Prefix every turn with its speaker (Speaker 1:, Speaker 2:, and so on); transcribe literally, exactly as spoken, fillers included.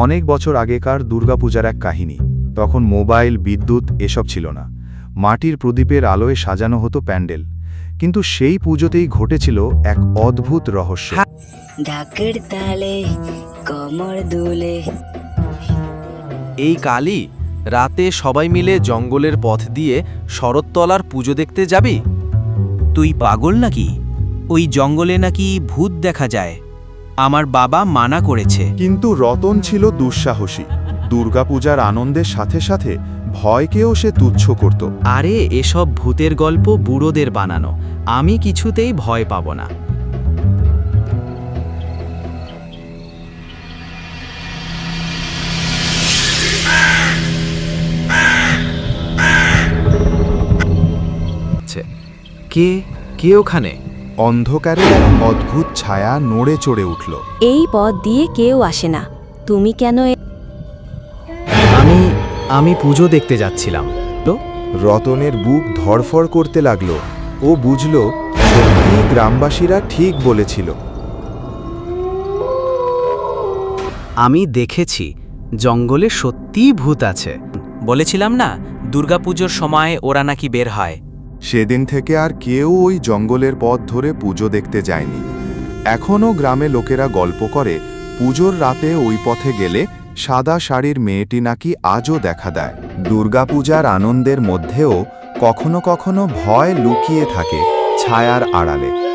Speaker 1: অনেক বছর আগেকার দুর্গাপূজার এক কাহিনী। তখন মোবাইল, বিদ্যুৎ এসব ছিল না। মাটির প্রদীপের আলোয় সাজানো হতো প্যান্ডেল। কিন্তু সেই পুজোতেই ঘটেছিল এক অদ্ভুত রহস্য।
Speaker 2: ঢাকের তালে কমর দুলে।
Speaker 3: এই কালই রাতে সবাই মিলে জঙ্গলের পথ দিয়ে শরৎতলার পুজো দেখতে যাবি?
Speaker 4: তুই পাগল নাকি? ওই জঙ্গলে নাকি ভূত দেখা যায়। আমার বাবা মানা করেছে।
Speaker 1: কিন্তু রতন ছিল দুঃসাহসী। দুর্গাপূজার আনন্দের সাথে সাথে ভয়কেও সে তুচ্ছ করত।
Speaker 4: আরে এসব ভূতের গল্প বুড়োদের বানানো, আমি কিছুতেই ভয় পাব না।
Speaker 3: কে কে ওখানে?
Speaker 1: অন্ধকারে এক অদ্ভুত ছায়া নড়ে চড়ে উঠল।
Speaker 5: এই পথ দিয়ে কেউ আসে না, তুমি কেন এ-
Speaker 3: আমি আমি পুজো দেখতে যাচ্ছিলাম। তো
Speaker 1: রতনের বুক ধড়ফড় করতে লাগল। ও বুঝল সত্যি গ্রামবাসীরা ঠিক বলেছিল।
Speaker 4: আমি দেখেছি জঙ্গলে সত্যিই ভূত আছে। বলেছিলাম না, দুর্গাপুজোর সময় ওরা নাকি বের হয়।
Speaker 1: সেদিন থেকে আর কেউ ওই জঙ্গলের পথ ধরে পুজো দেখতে যায়নি। এখনও গ্রামে লোকেরা গল্প করে পুজোর রাতে ওই পথে গেলে সাদা শাড়ির মেয়েটি নাকি আজও দেখা দেয়। দুর্গাপূজার আনন্দের মধ্যেও কখনো কখনো ভয় লুকিয়ে থাকে ছায়ার আড়ালে।